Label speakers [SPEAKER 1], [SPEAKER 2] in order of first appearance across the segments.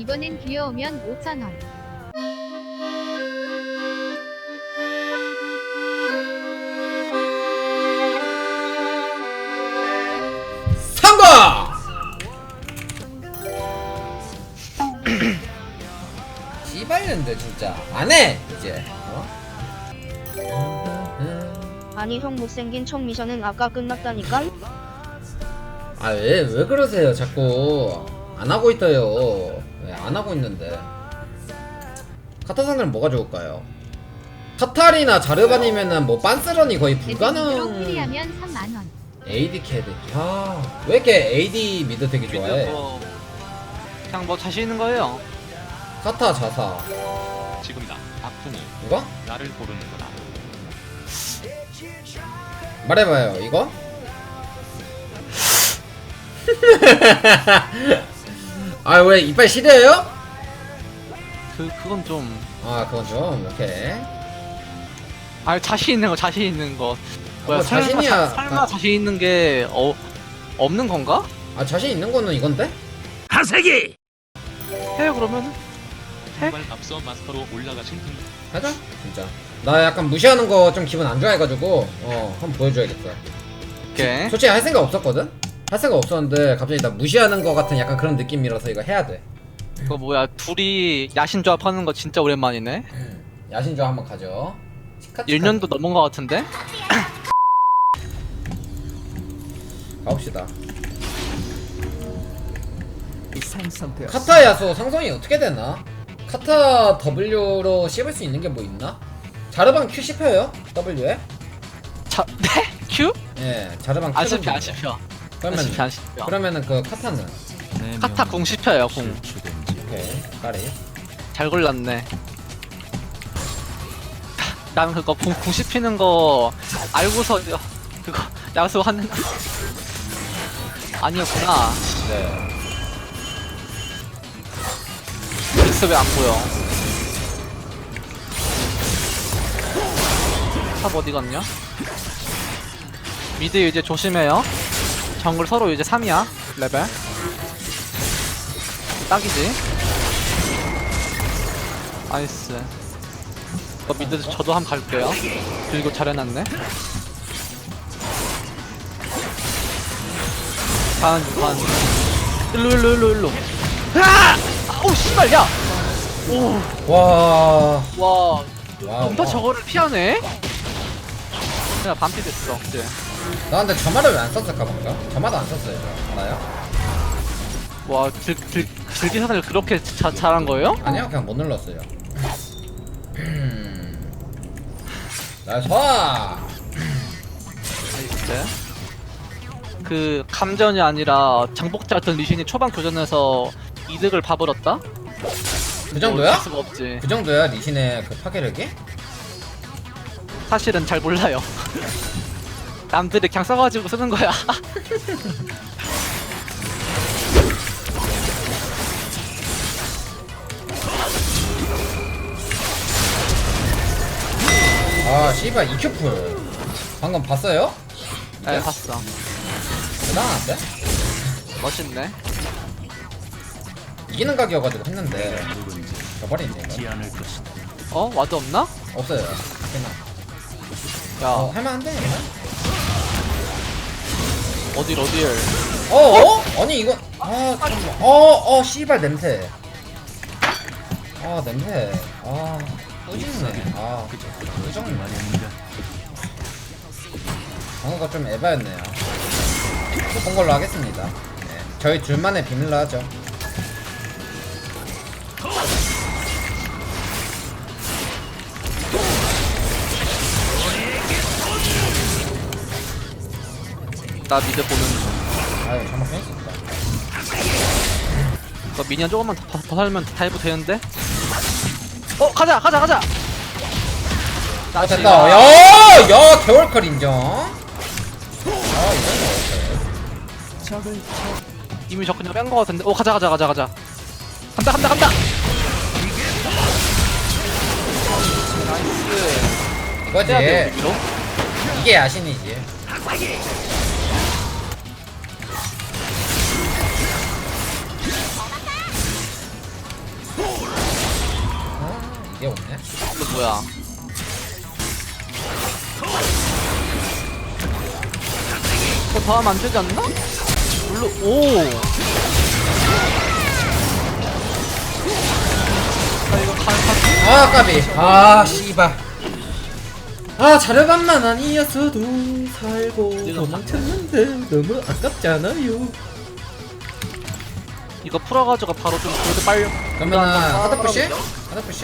[SPEAKER 1] 이번엔 귀여우면 5,000원.
[SPEAKER 2] 상가! 씨발년데 진짜 안해 이제
[SPEAKER 3] 아니 형 못생긴 척 미션은 아까 끝났다니까?
[SPEAKER 2] 아 왜 그러세요 자꾸 안하고 있어요. 왜 안하고 있는데 카타상들은 뭐가 좋을까요? 카탈이나 자르반이면은 뭐 빤스런이 거의
[SPEAKER 1] 대진으로
[SPEAKER 2] 불가능.
[SPEAKER 1] 캐리하면 3만원.
[SPEAKER 2] AD 캐드 왜 이렇게 AD 미드 되게 좋아해?
[SPEAKER 4] 뭐 그냥 뭐 자신 있는 거예요.
[SPEAKER 2] 카타 자사
[SPEAKER 5] 지금이다. 박풍이
[SPEAKER 2] 이거?
[SPEAKER 5] 나를 고르는 거다.
[SPEAKER 2] 말해봐요 이거? 아 왜 이빨 시려요?
[SPEAKER 4] 그건 좀.
[SPEAKER 2] 아 그건 좀 오케이.
[SPEAKER 4] 아 자신 있는 거 자신 있는 거. 뭐야
[SPEAKER 2] 뭐 자신이야.
[SPEAKER 4] 설마 자신 있는 게 없는 건가?
[SPEAKER 2] 아 자신 있는 거는 이건데?
[SPEAKER 4] 해요 그러면은.
[SPEAKER 5] 정말 앞서 마스터로 올라가신 분.
[SPEAKER 2] 하자 진짜. 나 약간 무시하는 거 좀 기분 안 좋아해가지고 한번 보여줘야겠어.
[SPEAKER 4] 오케이.
[SPEAKER 2] 솔직히 할 생각 없었거든? 할 생각 없었는데 갑자기 나 무시하는 거 같은 약간 그런 느낌이라서 이거 해야 돼.
[SPEAKER 4] 그거 뭐야 둘이 야신 조합하는 거 진짜 오랜만이네.
[SPEAKER 2] 야신조 한번 가죠.
[SPEAKER 4] 1년도 넘은 거 같은데?
[SPEAKER 2] 가봅시다. 카타 야수 상성이 어떻게 되나? 카타 W로 씹을 수 있는 게 뭐 있나? 자르방 Q 씹혀요? W에?
[SPEAKER 4] 네? Q?
[SPEAKER 2] 예, 자르방 Q
[SPEAKER 4] 안 씹혀 안 씹혀.
[SPEAKER 2] 그러면
[SPEAKER 4] 안 씹혀 안 씹혀.
[SPEAKER 2] 그러면은 그 카타는
[SPEAKER 4] 카타 궁 씹혀요 궁.
[SPEAKER 2] 오케이 까리.
[SPEAKER 4] 잘 골랐네. 나는 그거 궁 씹히는 거 알고서 그거 야수 하는 아니었구나.
[SPEAKER 2] 네.
[SPEAKER 4] 글쎄 왜 안 보여? 탑 어디 갔냐? 미드 이제 조심해요. 정글 서로 이제 3이야 레벨. 딱이지. 나이스. 미드 저도 한번 갈게요. 그리고 잘해놨네. 반. 일로. 오 씨발 야. 오.
[SPEAKER 2] 와.
[SPEAKER 4] 와.
[SPEAKER 2] 와.
[SPEAKER 4] 뭔가 저거를 피하네. 내가 반피 됐어 그때.
[SPEAKER 2] 나 근데 저마를 왜 안 썼을까 뭔가? 저마도 안 썼어요. 저. 알아요?
[SPEAKER 4] 와 들기사를 그렇게 잘한 거예요?
[SPEAKER 2] 아니요, 그냥 못 눌렀어요. 나이스.
[SPEAKER 4] 나이스. 그 감전이 아니라 장복자였던 리신이 초반 교전에서 이득을 봐버렸다?
[SPEAKER 2] 그 정도야?
[SPEAKER 4] 어쩔 수가 없지.
[SPEAKER 2] 그 정도야 리신의 그 파괴력이?
[SPEAKER 4] 사실은 잘 몰라요. 남들이 그냥 써가지고 쓰는 거야.
[SPEAKER 2] 아 씨발 EQ풀 방금 봤어요?
[SPEAKER 4] 네 봤어.
[SPEAKER 2] 대단한데?
[SPEAKER 4] 멋있네.
[SPEAKER 2] 이기는 각이어가지고 했는데 저버리네 이거.
[SPEAKER 4] 어? 와드 없나?
[SPEAKER 2] 없어요. 그냥
[SPEAKER 4] 야
[SPEAKER 2] 할만한데?
[SPEAKER 4] 어딜
[SPEAKER 2] 아니 이거 씨발 냄새. 냄새. 꾸짖네. 꾸정네. 방어가 좀 에바였네요. 못 본 걸로 하겠습니다. 네, 저희 둘만의 비밀로 하죠.
[SPEAKER 4] 나 미드 보는 중.
[SPEAKER 2] 아유 잘못 했습니다.
[SPEAKER 4] 너 미니언 조금만 더 살면 다이브 되는데? 가자!
[SPEAKER 2] 됐다. 야 개월컬 인정. 이건
[SPEAKER 4] 이미 저 그냥 뺀 거 같은데? 가자! 간다! 나이스.
[SPEAKER 2] 이거지.
[SPEAKER 4] 해야 돼, 여기로?
[SPEAKER 2] 이게 야신이지. 얘 없네.
[SPEAKER 4] 이거 뭐야? 이거 더 하면 안 되지 않나? 물로 오. 아 이거
[SPEAKER 2] 아 까비. 아 씨발. 아 자르반만 아니었어도 살고 도망쳤는데 너무 아깝잖아요.
[SPEAKER 4] 이거 풀어가지고 바로 좀 골드 빨리.
[SPEAKER 2] 그러면은 하드푸시? 하드푸시?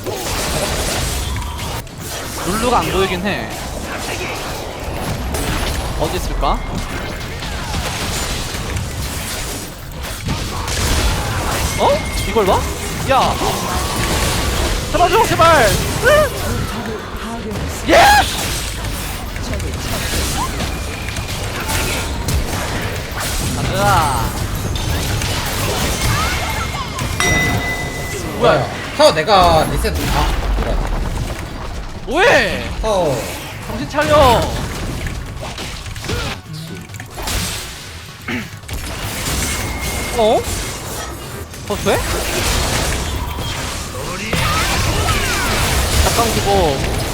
[SPEAKER 4] 룰루가 안 보이긴 해. 어디 있을까? 어? 이걸 봐? 야! 잡아줘 제발! 예스! 가자.
[SPEAKER 2] 뭐야? 타워 내가 리셋. 아 뭐야?
[SPEAKER 4] 뭐해?
[SPEAKER 2] 타워.
[SPEAKER 4] 정신 차려. 어? 버스해? 잠깐 그거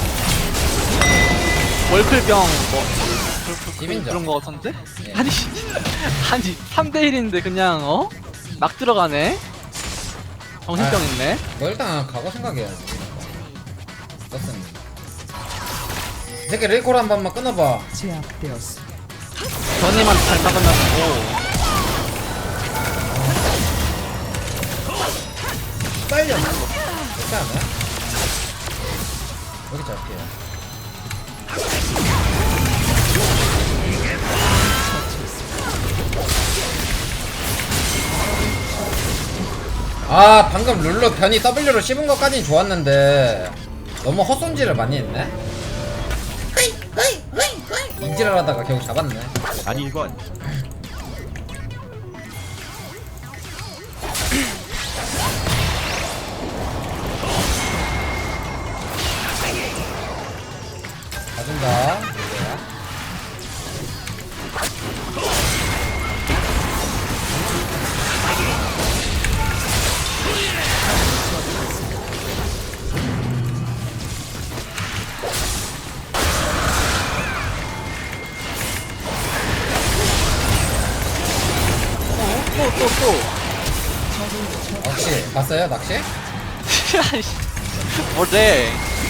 [SPEAKER 4] 월클병 뭐
[SPEAKER 2] 비빈자.
[SPEAKER 4] 그런 거 같은데?
[SPEAKER 2] 예.
[SPEAKER 4] 아니 아니 3대1인데 그냥 어? 막 들어가네? 정신병
[SPEAKER 2] 아.
[SPEAKER 4] 있네?
[SPEAKER 2] 너 일단 각오 생각해야지. 떴습니다. 이 새끼 릴콜 한 번만 끊어봐.
[SPEAKER 4] 전이만 잘 박으면
[SPEAKER 2] 빨려. 그렇지 않아요? 여기 잡게요. 아 방금 룰루 변이 W로 씹은 것까진 좋았는데 너무 헛손질을 많이 했네. 인지를 하다가 결국 잡았네.
[SPEAKER 6] 아니 이건
[SPEAKER 2] 가준다. 룰루야.
[SPEAKER 4] 또또또
[SPEAKER 2] 낚시 봤어요? 낚시?
[SPEAKER 4] 뭐래?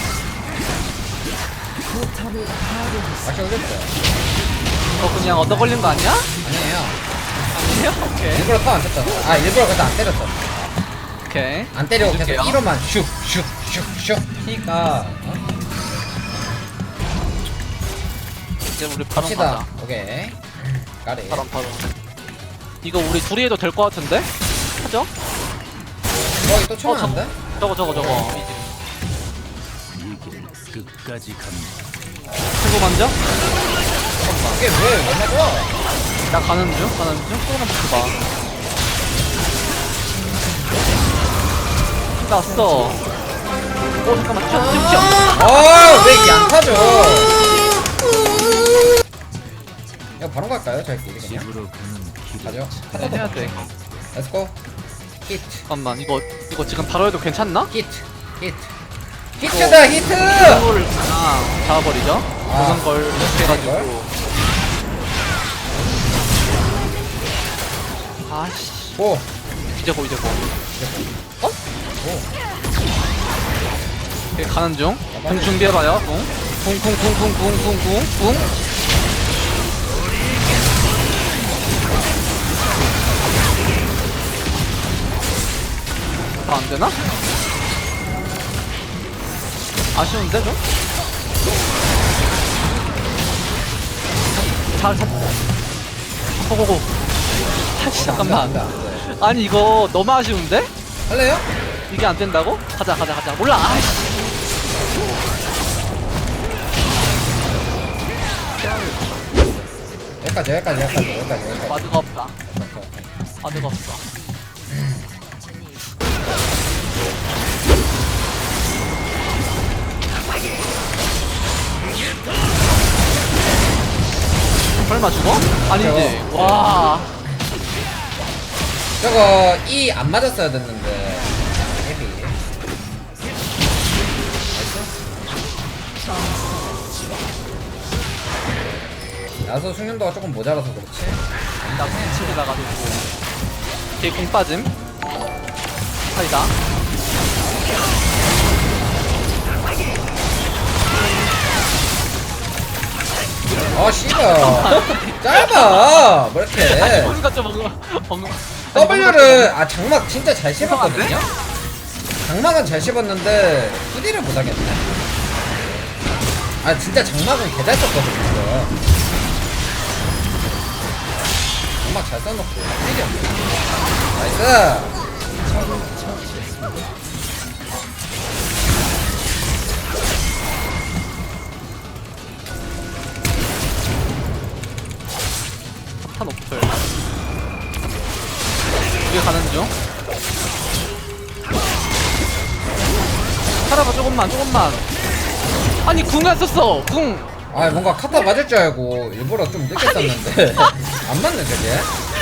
[SPEAKER 2] 낚시 올렸어요.
[SPEAKER 4] 너 그냥 얻어 걸린 거 아니야?
[SPEAKER 2] 아니에요.
[SPEAKER 4] 아니에요? 오케이
[SPEAKER 2] 일부러 타안 쳤잖아. 아 일부러 그때 안 때렸잖아.
[SPEAKER 4] 오케이
[SPEAKER 2] 안 때리고 계속
[SPEAKER 4] 해줄게요.
[SPEAKER 2] 1호만 슉슉슉슉 피니까
[SPEAKER 4] 이제 우리 바로
[SPEAKER 2] 갑시다.
[SPEAKER 4] 가자.
[SPEAKER 2] 오케이. 까리.
[SPEAKER 4] 바로 이거 우리 둘이 해도 될 것 같은데? 하죠?
[SPEAKER 2] 거기 또 치면 안 돼?
[SPEAKER 4] 저거
[SPEAKER 6] 끝까지 갑니다.
[SPEAKER 4] 친구 먼저?
[SPEAKER 2] 이게 왜 맞아?
[SPEAKER 4] 나 가는 중? 조금만 버텨봐 나왔어 잠깐만 튀어
[SPEAKER 2] 아왜 이게 안 타죠? 이거 바로 갈까요? 저희 끼리 그냥
[SPEAKER 6] 집으로 가는 길.
[SPEAKER 2] 가죠.
[SPEAKER 4] 해야 돼
[SPEAKER 2] 렛츠고. 히트
[SPEAKER 4] 잠깐만 이거 지금 바로 해도 괜찮나?
[SPEAKER 2] 히트 히트 히트다 히트.
[SPEAKER 4] 친구를 그냥 잡아버리죠
[SPEAKER 2] 아.
[SPEAKER 4] 그런 걸 이렇게 해가지고 아씨
[SPEAKER 2] 고.
[SPEAKER 4] 이제 고 어?
[SPEAKER 2] 오.
[SPEAKER 4] 오케이, 가는 중. 공 준비해봐요. 쿵. 아, 안 되나? 아쉬운데, 좀? 잘. 고고고. 다시 잠깐만.
[SPEAKER 2] 안 돼, 안 돼.
[SPEAKER 4] 아니, 이거 너무 아쉬운데?
[SPEAKER 2] 할래요?
[SPEAKER 4] 이게 안 된다고? 가자. 몰라. 아이씨.
[SPEAKER 2] 여기까지.
[SPEAKER 4] 마드가 없다. 마드가 없어. 설마 죽어? 아니지. 와.
[SPEAKER 2] 저거 E 안 맞았어야 됐는데. 헤비. 야수 숙련도가 조금 모자라서 그렇지.
[SPEAKER 4] 나 치고 나가지고 뒤에 공 빠짐 사이다.
[SPEAKER 2] 아 씨발 짧아 뭐 이렇게.
[SPEAKER 4] 우리가 좀
[SPEAKER 2] W를 아 장막 진짜 잘 씹었거든요. 장막은 잘 씹었는데 후디를 못하겠네. 아 진짜 장막은 개잘 썼거든요. 이거. 장막 잘 써놓고 후딜이 없네. 나이스.
[SPEAKER 4] 폭탄 오플. 위에 가는 중. 살아봐 조금만. 아니 궁 안 썼어. 궁.
[SPEAKER 2] 아 뭔가 카타 맞을 줄 알고 일부러 좀 늦게 썼는데 안 맞네 저게.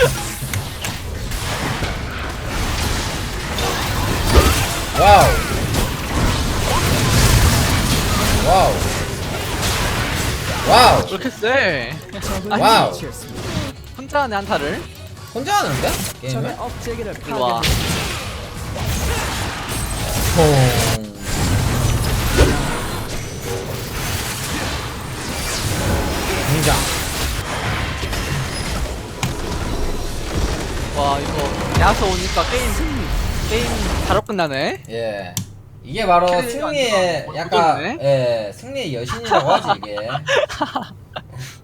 [SPEAKER 2] 와우 와우 와우
[SPEAKER 4] 왜 이렇게 세? 아니
[SPEAKER 2] 와우.
[SPEAKER 4] 혼자 하네 한타를.
[SPEAKER 2] 혼자 하는데? 게임을?
[SPEAKER 4] 이리 와.
[SPEAKER 2] 퐁. 등장.
[SPEAKER 4] 와 이거 야수 오니까 게임 바로 끝나네.
[SPEAKER 2] 예. 이게 바로
[SPEAKER 4] 캐릭이
[SPEAKER 2] 승리의
[SPEAKER 4] 안
[SPEAKER 2] 약간
[SPEAKER 4] 좋네.
[SPEAKER 2] 예 승리의 여신이라고 하지 이게.